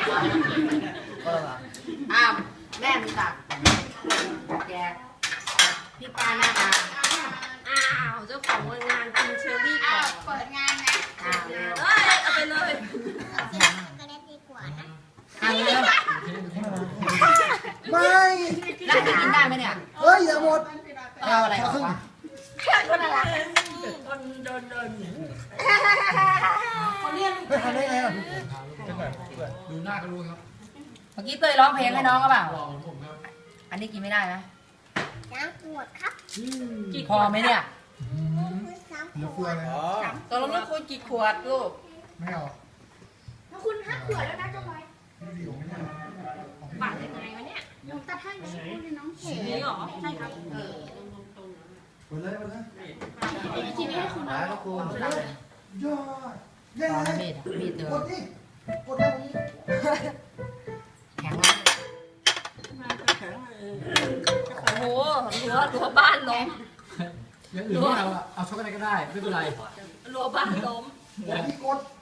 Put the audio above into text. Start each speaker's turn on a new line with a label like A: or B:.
A: อ้าวแม่มีตักแกพี่ปาหน้าตา
B: อ้าวเจ้าของงานกินเชอรี่ก่อน
C: เปิดงานนะ
B: เอ้ยเอาไปเลย
C: เอาเสร็จช็อกโกแลตดีกว่านะ
A: เอาเร็ว
D: ไม่
A: แล้วจะกินได้ไหมเนี่ย
D: เฮ้ยอย่าหมด
A: เอาอะไรของวะ
C: คนละ
D: ไม่ทำได้ไงอ่ะ
E: ดูหน้าก็รู้ครับ
A: เมื่อกี้เตยร้องเพลงให้น้องก็เปล่า
E: หล่อเหมือนผมครับ
A: อันนี้กินไม่ได้ไหม
C: น้ำขวดครับ
A: พอไหมเนี่ย
C: น้ำข
D: เหลือ
C: ว
D: เฟือ
C: ด
D: เลย
A: ตกลงแล้วคุณกี่ขวดลูก
D: ไม่เอา
C: แล้วคุณห้าขวดแล้วนะเจ้าบอย
D: พี่ผมไม่ได้
B: ปาดยังไงวะเนี่ย
C: น้องตาท่านนี้คุณน้องเข
B: นี่เหรอใช่ครับ
D: หมดเลยหมดเลย
C: ทีนี้ให้คุณน้อง
D: ยอดยัง
A: ตอน
D: ไง
A: มีดมีดเดิ
D: ก
A: น
D: ดนี่กดได้ผม
A: แข็งมาก
B: โอ้โหรั้วบ้านล้ม
E: อย่างอื่นไม่เอาอะเอาช็อกโกแลตก็ได้ไม่เป็นไร
B: รั้วบ้านล้ม
D: พี่กด